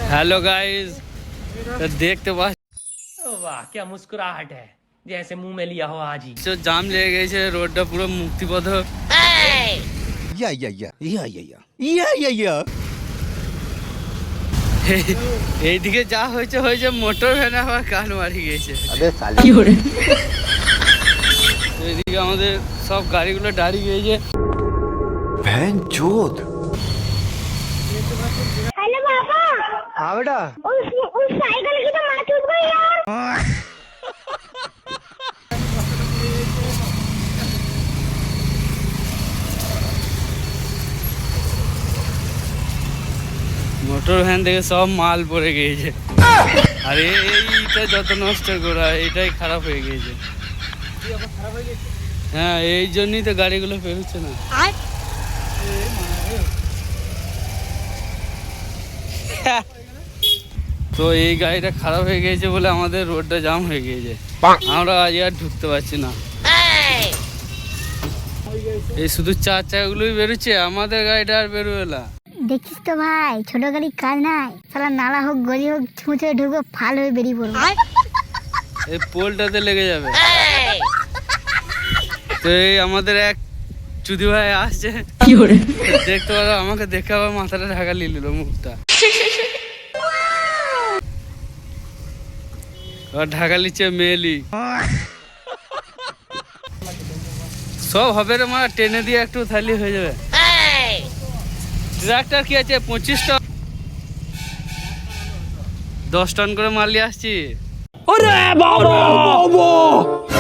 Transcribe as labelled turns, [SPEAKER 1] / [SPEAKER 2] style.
[SPEAKER 1] Hello guys, देखते पास
[SPEAKER 2] वाह क्या मुस्कुराहट है, जैसे मुंह में लिया हो आज ही।
[SPEAKER 1] जो जाम লেগে গেছে রোডটা পুরো মুক্তিপথ। এইদিকে যা হয়েছে হয়েছে, মোটর ভ্যান আবার কান মারি গেছে।
[SPEAKER 2] কি করে?
[SPEAKER 1] এইদিকে আমাদের সব গাড়িগুলো দাঁড়িয়ে গেছে।
[SPEAKER 3] ভ্যান চোদ।
[SPEAKER 4] हेलो पापा।
[SPEAKER 3] हाँ बेटा।
[SPEAKER 4] उस साइकिल की तो माँ टूट गई यार।
[SPEAKER 1] মোটর ভ্যান থেকে সব মাল পড়ে গিয়েছে। আর এইটা যত নষ্ট করা, এটাই খারাপ হয়ে গিয়েছে। হ্যাঁ, এই জন্যই তো গাড়িগুলো বেরোচ্ছে না। তো এই গাড়িটা খারাপ হয়ে গিয়েছে বলে আমাদের রোডটা জাম হয়ে গিয়েছে। আমরা আজ আর ঢুকতে পারছি না। এই শুধু চার চাকাগুলোই বেরোচ্ছে, আমাদের গাড়িটা আর বেরোবে না।
[SPEAKER 4] দেখিস তো ভাই, ছোট গাড়ির কাজ নাই, সালা নালা হোক গলি হোক ছুঁচে ঢুকবো, ফাল হয়ে বেরিয়ে পড়বো।
[SPEAKER 1] এই পোলটাতে লেগে যাবে। তো এই আমাদের এক চুদি ভাই আসছে,
[SPEAKER 2] কি করে?
[SPEAKER 1] দেখতে পারো, আমাকে দেখে আবার মাথাটা ঢাকা নিয়ে নিল, মুখটা ঢাকা নিচ্ছে মেয়েলি। সব হবে রে মা, টেনে দিয়ে একটু থালি হয়ে যাবে। ট্রাক্টর কি আছে 25 টন, 10 টন করে মাল নিয়ে আসছি।